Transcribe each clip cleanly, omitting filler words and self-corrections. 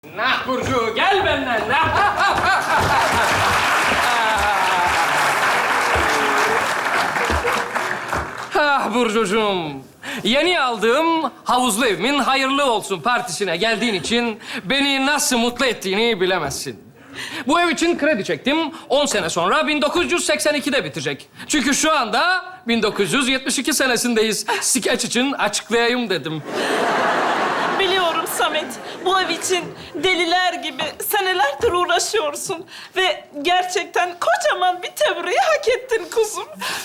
Nah Burcu, gel benden. Ah Burcucuğum, yeni aldığım havuzlu evimin hayırlı olsun partisine geldiğin için beni nasıl mutlu ettiğini bilemezsin. Bu ev için kredi çektim. 10 sene sonra 1982'de bitecek. Çünkü şu anda 1972 senesindeyiz. Skeç için açıklayayım dedim. Biliyorum Samet. Bu ev için deliler gibi senelerdir uğraşıyorsun. Ve gerçekten kocaman bir tebriği hak ettin kuzum.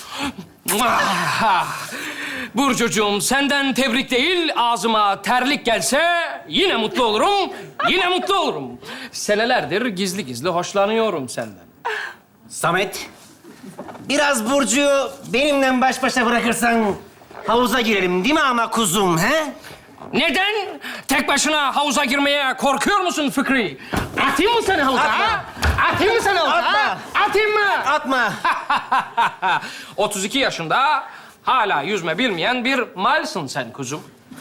Burcucuğum, senden tebrik değil, ağzıma terlik gelse yine mutlu olurum, yine mutlu olurum. Senelerdir gizli gizli hoşlanıyorum senden. Samet, biraz Burcu'yu benimle baş başa bırakırsan havuza girelim değil mi ama kuzum, he? Neden? Tek başına havuza girmeye korkuyor musun Fikri? Atayım mı seni havuza? Atma. Ha? Atayım mı seni havuza? Atma. Ha? Atayım mı? Atma. 32 yaşında hala yüzme bilmeyen bir malsın sen kuzum.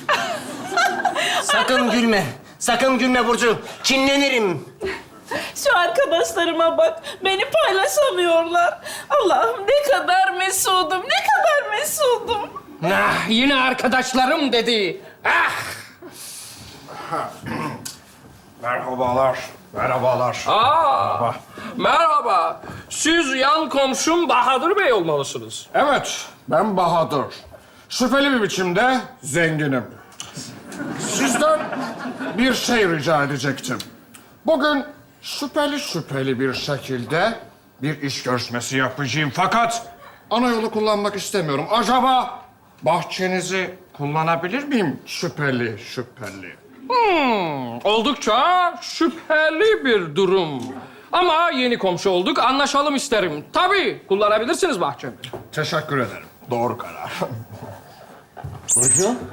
Sakın gülme. Sakın gülme Burcu. Kinlenirim. Şu arkadaşlarıma bak. Beni paylaşamıyorlar. Allah'ım ne kadar mesudum, ne kadar mesudum. Ah, yine arkadaşlarım dedi. Ah! Merhabalar. Merhabalar. Aa, merhaba. Siz yan komşum Bahadır Bey olmalısınız. Evet, ben Bahadır. Şüpheli bir biçimde zenginim. Sizden bir şey rica edecektim. Bugün şüpheli bir şekilde bir iş görüşmesi yapacağım. Fakat ana yolu kullanmak istemiyorum. Acaba bahçenizi kullanabilir miyim? Şüpheli. Oldukça şüpheli bir durum. Ama yeni komşu olduk, anlaşalım isterim. Tabii, kullanabilirsiniz bahçemi. Teşekkür ederim. Doğru karar. Burcu?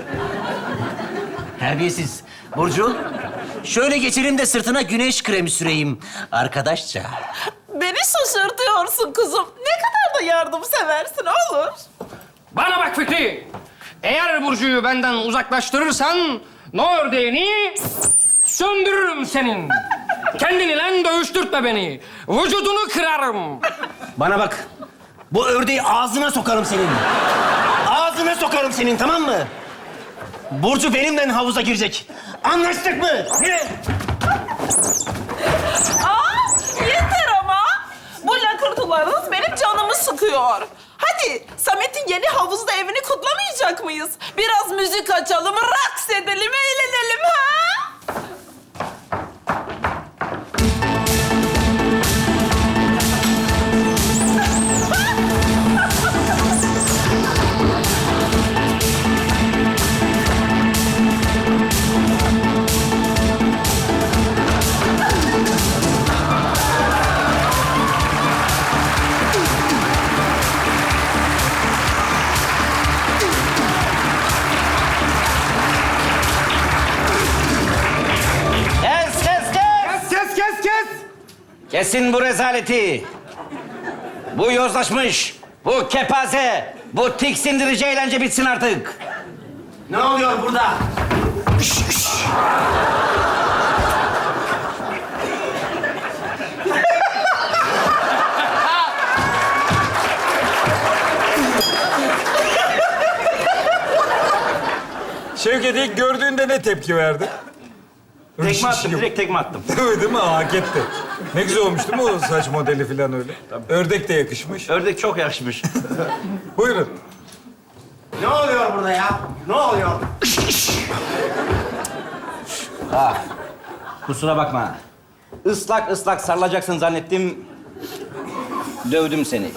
Terbiyesiz. Burcu, şöyle geçelim de sırtına güneş kremi süreyim. Arkadaşça. Beni şaşırtıyorsun kuzum. Ne kadar da yardımseversin olur. Bana bak Fikri. Eğer Burcu'yu benden uzaklaştırırsan no ördeğini söndürürüm senin. Kendinle dövüştürtme beni. Vücudunu kırarım. Bana bak. Bu ördeği ağzına sokarım senin. Ağzına sokarım senin, tamam mı? Burcu benimle havuza girecek. Anlaştık mı? Ne? Aa, yeter ama. Bu lakırtılarınız benim canımı sıkıyor. Hadi Samet'in yeni havuzda evini kutlamayacak mıyız? Biraz müzik açalım, raks edelim, eğlenelim ha? Kes! Kesin bu rezaleti. Bu yozlaşmış, bu kepaze, bu tiksindirici eğlence bitsin artık. Ne oluyor burada? Şevket ilk gördüğünde ne tepki verdi? Tekme attım, direkt tekme attım. Değil mi? Hak etti. Ne güzel olmuş değil mi o saç modeli falan öyle? Ördek de yakışmış. Ördek çok yakışmış. Buyurun. Ne oluyor burada ya? Ne oluyor? Kusura bakma. Islak ıslak sarılacaksın zannettim. Dövdüm seni.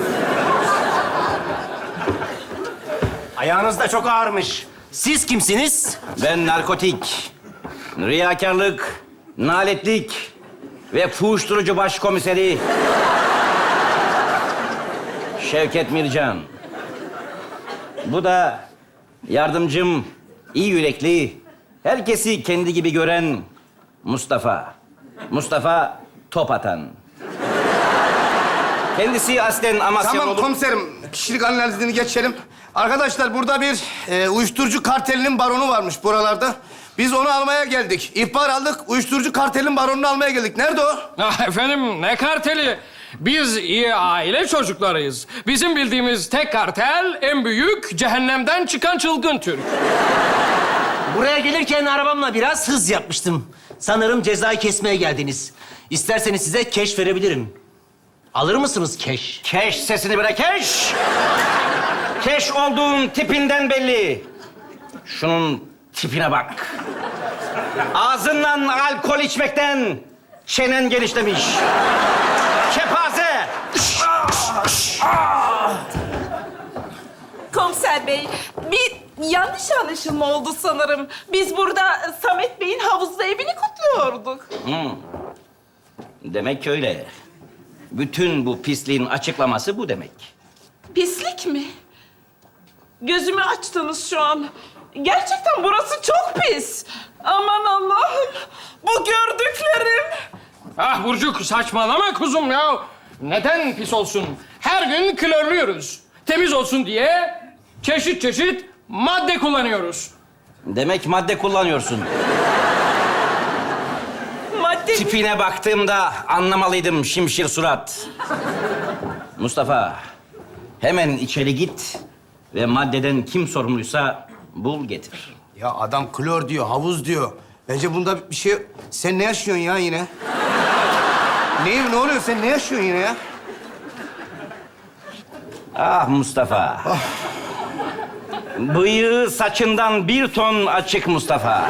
Ayağınız da çok ağırmış. Siz kimsiniz? Ben narkotik, riyakarlık, naletlik ve uyuşturucu başkomiseri Şevket Mircan. Bu da yardımcım, iyi yürekli, herkesi kendi gibi gören Mustafa. Mustafa top atan. Kendisi aslen Amasyalı Tamam olup... komiserim, kişilik analizini geçelim. Arkadaşlar burada bir uyuşturucu kartelinin baronu varmış buralarda. Biz onu almaya geldik. İhbar aldık, uyuşturucu kartelin baronunu almaya geldik. Nerede o? Ah efendim ne karteli? Biz iyi aile çocuklarıyız. Bizim bildiğimiz tek kartel en büyük cehennemden çıkan çılgın Türk. Buraya gelirken arabamla biraz hız yapmıştım. Sanırım cezayı kesmeye geldiniz. İsterseniz size keş verebilirim. Alır mısınız keş? Keş sesini bırak, keş! Keş olduğun tipinden belli. Şunun tipine bak. Ağzından alkol içmekten çenen genişlemiş. Kepaze! Komiser bey, bir yanlış anlaşılma oldu sanırım. Biz burada Samet Bey'in havuzda evini kutluyorduk. Demek öyle. Bütün bu pisliğin açıklaması bu demek. Pislik mi? Gözümü açtınız şu an. Gerçekten burası çok pis. Aman Allah'ım, bu gördüklerim. Ah Burcuk saçmalama kuzum ya. Neden pis olsun? Her gün klorluyoruz. Temiz olsun diye çeşit çeşit madde kullanıyoruz. Demek madde kullanıyorsun. Madde... Tipine baktığımda anlamalıydım şimşir surat. Mustafa, hemen içeri git ve maddeden kim sorumluysa bul getir. Ya adam klor diyor, havuz diyor. Bence bunda bir şey... Sen ne yaşıyorsun ya yine? Ne oluyor? Sen ne yaşıyorsun yine ya? Ah Mustafa. Bıyığı saçından bir ton açık Mustafa.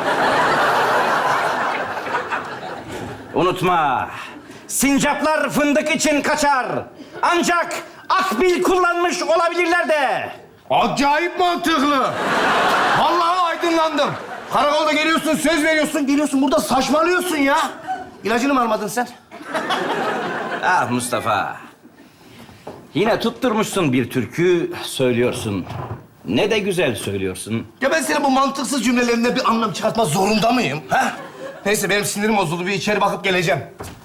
Unutma, sincaplar fındık için kaçar. Ancak akbil kullanmış olabilirler de. Acayip mantıklı. Vallahi aydınlandım. Karakolda geliyorsun, söz veriyorsun, geliyorsun burada saçmalıyorsun ya. İlacını mı almadın sen? Ah Mustafa. Yine tutturmuşsun bir türkü söylüyorsun. Ne de güzel söylüyorsun. Ya ben senin bu mantıksız cümlelerinde bir anlam çıkartma zorunda mıyım? Ha? Neyse benim sinirim bozuldu. Bir içeri bakıp geleceğim.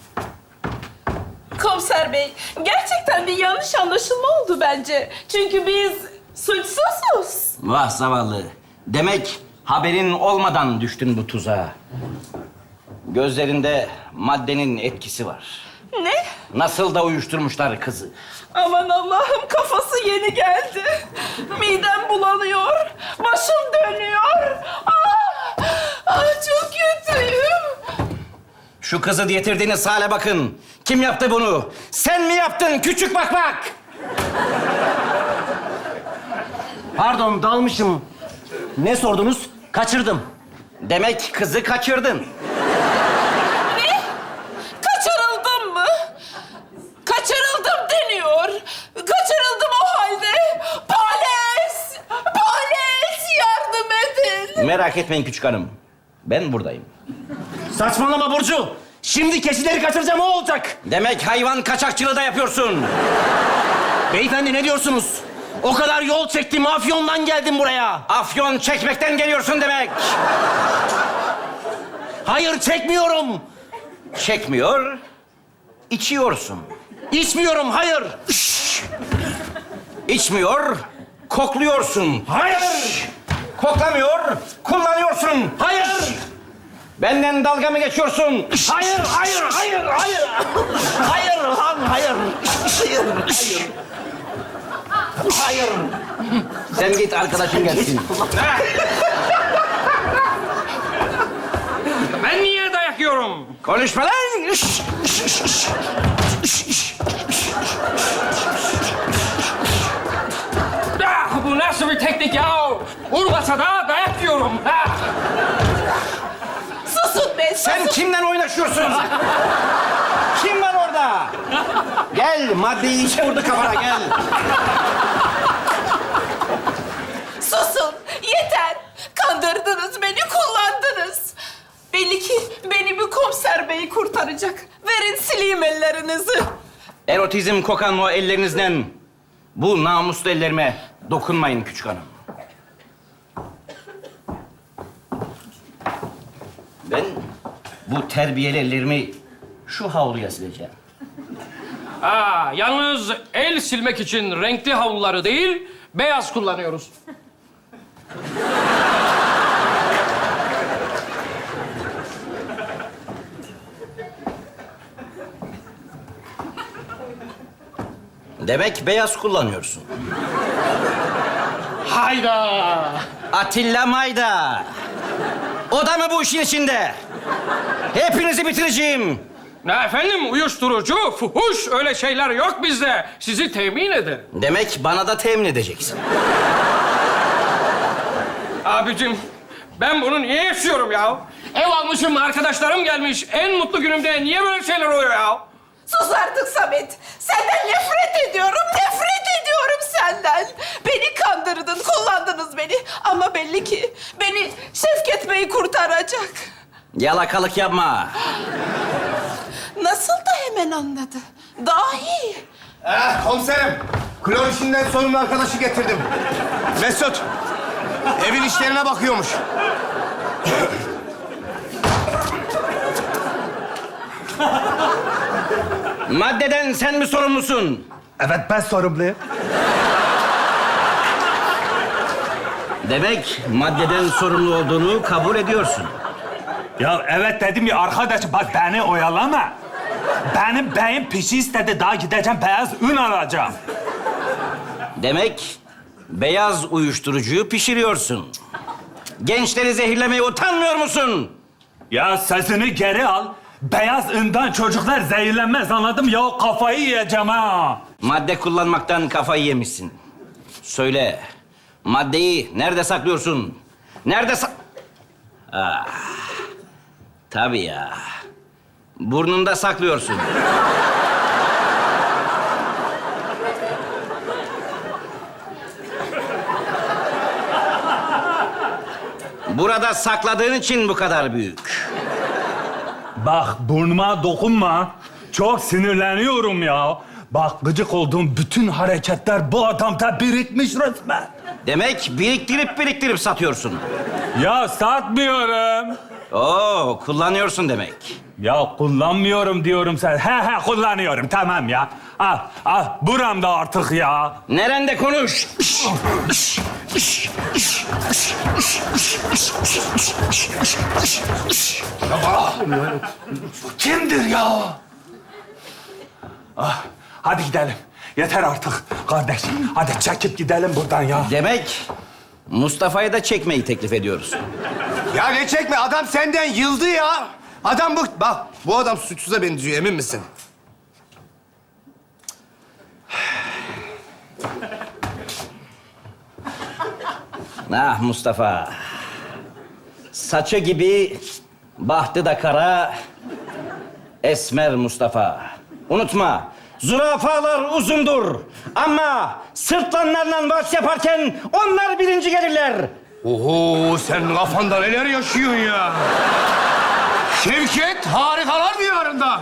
Komiser bey, gerçekten bir yanlış anlaşılma oldu bence. Çünkü biz suçsuzuz. Vah zavallı. Demek haberin olmadan düştün bu tuzağa. Gözlerinde maddenin etkisi var. Ne? Nasıl da uyuşturmuşlar kızı. Aman Allah'ım, kafası yeni geldi. Midem bulanıyor, başım dönüyor. Çok kötüyüm. Şu kızı getirdiğiniz hale bakın. Kim yaptı bunu? Sen mi yaptın küçük bakmak? Pardon, dalmışım. Ne sordunuz? Kaçırdım. Demek kızı kaçırdın. Ne? Kaçırıldım mı? Kaçırıldım deniyor. Kaçırıldım o halde. Polis! Polis! Yardım edin! Merak etmeyin küçük hanım. Ben buradayım. Saçmalama Burcu. Şimdi keçileri kaçıracağım, o olacak. Demek hayvan kaçakçılığı da yapıyorsun. Beyefendi ne diyorsunuz? O kadar yol çektim, Afyon'dan geldim buraya. Afyon çekmekten geliyorsun demek. Hayır, çekmiyorum. Çekmiyor, içiyorsun. İçmiyorum, hayır. İçmiyor, kokluyorsun. Hayır. Koklamıyor, kullanıyorsun. Hayır. Benden dalga mı geçiyorsun? Hayır, hayır, hayır, hayır. Hayır, lan, hayır. Hayır, hayır. Hayır. Sen git arkadaşın gelsin. Ben niye dayak yiyorum? Konuşma lan! Ah, bu nasıl bir teknik ya? Vurmasa da dayak yiyorum. Ha. Susun be, susun. Sen kimden oynaşıyorsun? Kim var orada? Gel, maddeyi içe vurdu kafana, gel. Susun. Yeter. Kandırdınız beni, kullandınız. Belli ki beni bir komiser bey kurtaracak. Verin sileyim ellerinizi. Erotizm kokan o ellerinizden bu namuslu ellerime dokunmayın küçük hanım. Ben bu terbiyeli ellerimi şu havluya sileceğim. Aa, yalnız el silmek için renkli havluları değil, beyaz kullanıyoruz. Demek beyaz kullanıyorsun. Hayda! Atilla Mayda. O da mı bu işin içinde? Hepinizi bitireceğim. Ne efendim, uyuşturucu, fuhuş, öyle şeyler yok bizde. Sizi temin ederim. Demek bana da temin edeceksin. Abicim, ben bunu niye yaşıyorum ya? Ev almışım, arkadaşlarım gelmiş. En mutlu günümde niye böyle şeyler oluyor ya? Sus artık Samet. Senden nefret ediyorum, nefret ediyorum senden. Beni kandırdın, kullandınız beni. Ama belli ki beni Şevket Bey kurtaracak. Yalakalık yapma. Nasıl da hemen anladı. Dahi. Komiserim. Klor işinden sorumlu arkadaşı getirdim. Mesut. Evin işlerine bakıyormuş. Maddeden sen mi sorumlusun? Evet, ben sorumluyum. Demek maddeden sorumlu olduğunu kabul ediyorsun. Ya evet dedim ya arkadaş, bak beni oyalama. Benim beyim pişi istedi, daha gideceğim beyaz un alacağım. Demek beyaz uyuşturucuyu pişiriyorsun. Gençleri zehirlemeye utanmıyor musun? Ya sesini geri al. Beyaz undan çocuklar zehirlenmez, anladım ya, kafayı yiyeceğim ha. Madde kullanmaktan kafayı yemişsin. Söyle, maddeyi nerede saklıyorsun? Nerede tabii ya. Burnunda saklıyorsun. Burada sakladığın için bu kadar büyük. Bak burnuma dokunma. Çok sinirleniyorum ya. Bak gıcık olduğum bütün hareketler bu adamda birikmiş resmen. Demek biriktirip satıyorsun. Ya satmıyorum. Oo, kullanıyorsun demek. Ya kullanmıyorum diyorum sen. He kullanıyorum, tamam ya. Al buramda artık ya. Nerende konuş? Kimdir ya? Hadi gidelim. Yeter artık kardeş. Hadi çekip gidelim buradan ya. Demek Mustafa'yı da çekmeyi teklif ediyoruz. Ya ne çekme, adam senden yıldı ya. Adam bu, bak bu adam suçsuza benziyor, emin misin? Ah Mustafa. Saçı gibi, bahtı da kara, esmer Mustafa. Unutma, zürafalar uzundur. Ama sırtlanlarla vals yaparken onlar birinci gelirler. Oho, sen kafanda neler yaşıyorsun ya? Şevket harikalar diyarında.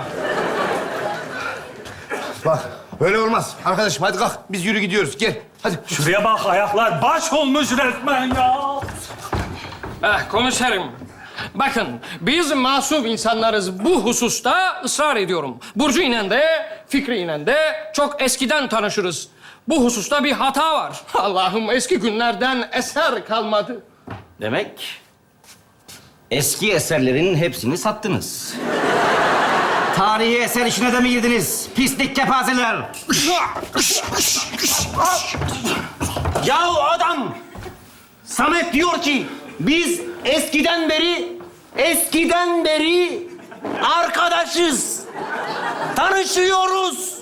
Bak, böyle olmaz. Arkadaşım hadi kalk, biz yürü gidiyoruz. Gel, hadi. Şuraya bak, ayaklar baş olmuş resmen ya. Komiserim, bakın biz masum insanlarız, bu hususta ısrar ediyorum. Burcu ile de, Fikri ile de çok eskiden tanışırız. Bu hususta bir hata var. Allah'ım, eski günlerden eser kalmadı. Demek eski eserlerin hepsini sattınız. Tarihi eser işine de mi girdiniz? Pislik kepazeler. Ya adam Samet diyor ki biz eskiden beri arkadaşız. Tanışıyoruz.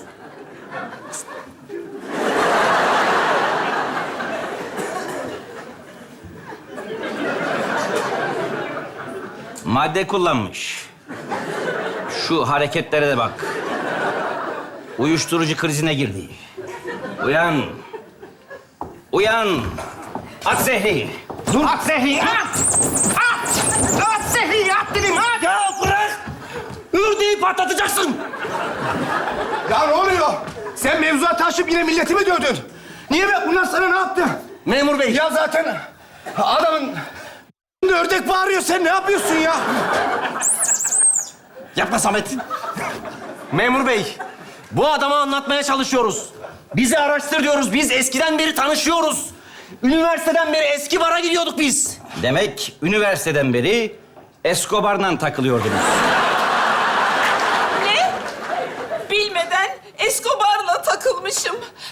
Madde kullanmış. Şu hareketlere de bak. Uyuşturucu krizine girdi. Uyan. Uyan. At zehri. Dur. At zehri. At. At. At zehri. At dedim. At. Ya bırak. Ördeği patlatacaksın. Ya ne oluyor? Sen mevzuat taşıp yine milleti mi dövdün? Niye be? Bunlar sana ne yaptı? Memur bey. Ya zaten adamın ördek bağırıyor. Sen ne yapıyorsun ya? Yapma Samet. Memur bey, bu adama anlatmaya çalışıyoruz. Bizi araştır diyoruz. Biz eskiden beri tanışıyoruz. Üniversiteden beri eski bara gidiyorduk biz. Demek üniversiteden beri Escobar'la takılıyordunuz. Ne? Bilmeden Escobar'la takılmışım.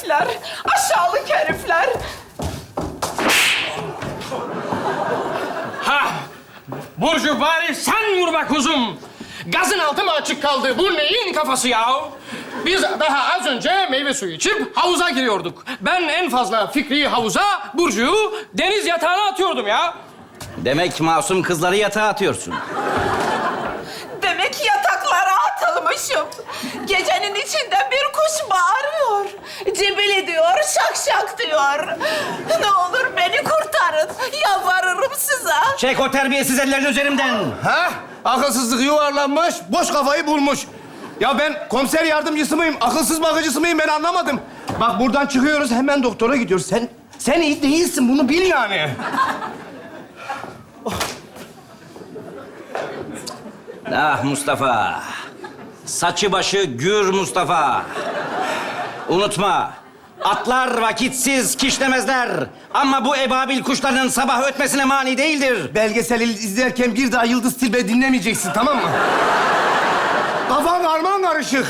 herifler. Aşağılık herifler. Ha! Burcu bari sen vur be kuzum. Gazın altı mı açık kaldı? Bu neyin kafası ya? Biz daha az önce meyve suyu içip havuza giriyorduk. Ben en fazla Fikri'yi havuza, Burcu'yu deniz yatağına atıyordum ya. Demek masum kızları yatağa atıyorsun. Demek yataklara atılmışım. Gecenin içinde bir kuş bağırıyor. Cibil diyor, şak şak diyor. Ne olur beni kurtarın. Yalvarırım size. Çek o terbiyesiz ellerini üzerimden. Ha? Akılsızlık yuvarlanmış, boş kafayı bulmuş. Ya ben komiser yardımcısı mıyım, akılsız bakıcısı mıyım ben anlamadım. Bak buradan çıkıyoruz, hemen doktora gidiyoruz. Sen iyi değilsin, bunu bil yani. Ah Mustafa. Saçı başı gür Mustafa. Unutma. Atlar vakitsiz kişnemezler. Ama bu ebabil kuşlarının sabah ötmesine mani değildir. Belgesel izlerken bir daha Yıldız Tilbe dinlemeyeceksin, tamam mı? Kafan karman karışık.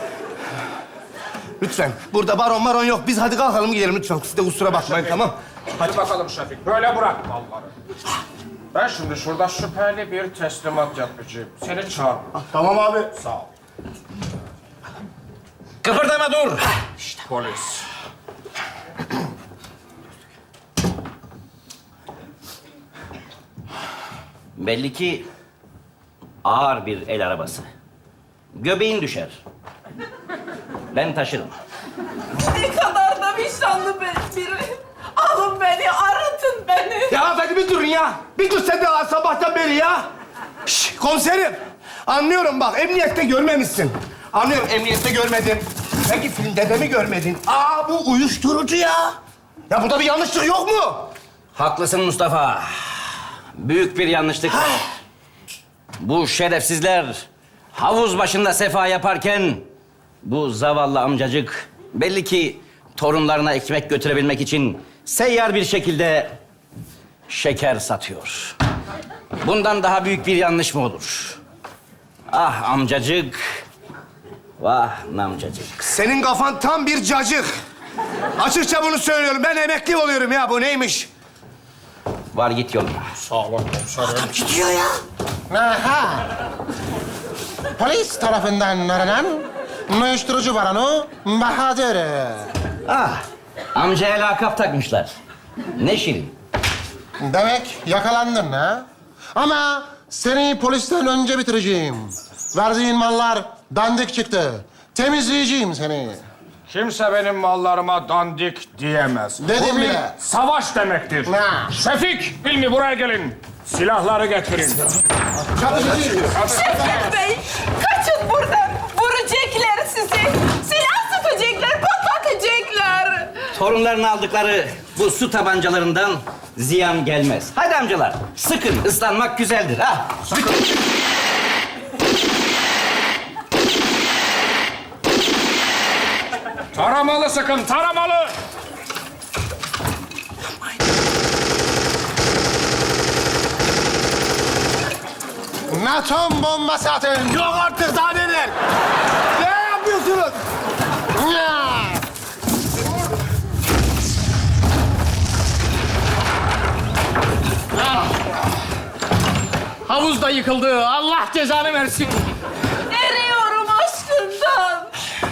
Lütfen, burada baron yok. Biz hadi kalkalım gidelim lütfen. Siz de kusura bakmayın, tamam? Hadi bakalım Şefik, böyle bırak malları. Ben şimdi şurada şüpheli bir teslimat yapacağım. Seni çağır. Tamam abi. Sağ ol. Kıpırdama dur. Polis. Belli ki ağır bir el arabası. Göbeğin düşer. Ben taşırım. Ne kadar da vicdanlı biri. Alın beni, arıtın beni. Ya hadi bir durun ya. Bir dur sen de sabahtan beri ya. Şş, komiserim. Anlıyorum bak, emniyette görmemişsin. Anlıyorum, emniyette görmedin. Peki filmde de mi görmedin? Aa, bu uyuşturucu ya. Ya burada bir yanlışlık yok mu? Haklısın Mustafa. Büyük bir yanlışlık var. Bu şerefsizler havuz başında sefa yaparken bu zavallı amcacık belli ki torunlarına ekmek götürebilmek için seyyar bir şekilde şeker satıyor. Bundan daha büyük bir yanlış mı olur? Ah amcacık, vah namcacık. Senin kafan tam bir cacık. Açıkça bunu söylüyorum. Ben emekli oluyorum ya. Bu neymiş? Var git yoluna. Sağ olun komiserim. Gidiyor ya. Aha! Polis tarafından aranan uyuşturucu baronu Bahadır. Ah, amcaya lakap takmışlar. Ne şirin. Demek yakalandın ha? Ama seni polisten önce bitireceğim. Verdiğin mallar dandik çıktı. Temizleyeceğim seni. Kimse benim mallarıma dandik diyemez. Dedim Bu bir bile. savaş demektir. Ha. Şefik, Hilmi buraya gelin. Silahları getirin. Şefik Bey, kaçın buradan. Vuracaklar sizi. Silah sıkacaklar, patlatacaklar. Torunlarını aldıkları bu su tabancalarından ziyan gelmez. Hadi amcalar, sıkın. Islanmak güzeldir. Ha. Taramalı sıkın, taramalı. Atom bombası atın. Yok artık, daha neler? Ne yapıyorsunuz? Ya! Havuz da yıkıldı. Allah cezanı versin. Eriyorum aşkından.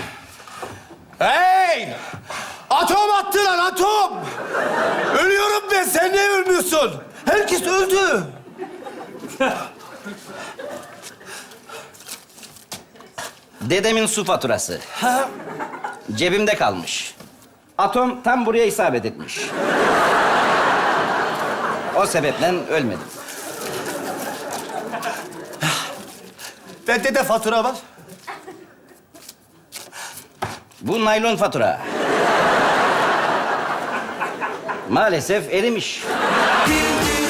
Hey! Atom attı lan, atom! Ölüyorum ben, sen niye ölmüyorsun? Herkes öldü. Dedemin su faturası. Cebimde kalmış. Atom tam buraya isabet etmiş. O sebeple ölmedim. Bende de fatura var. Bu naylon fatura. Maalesef erimiş.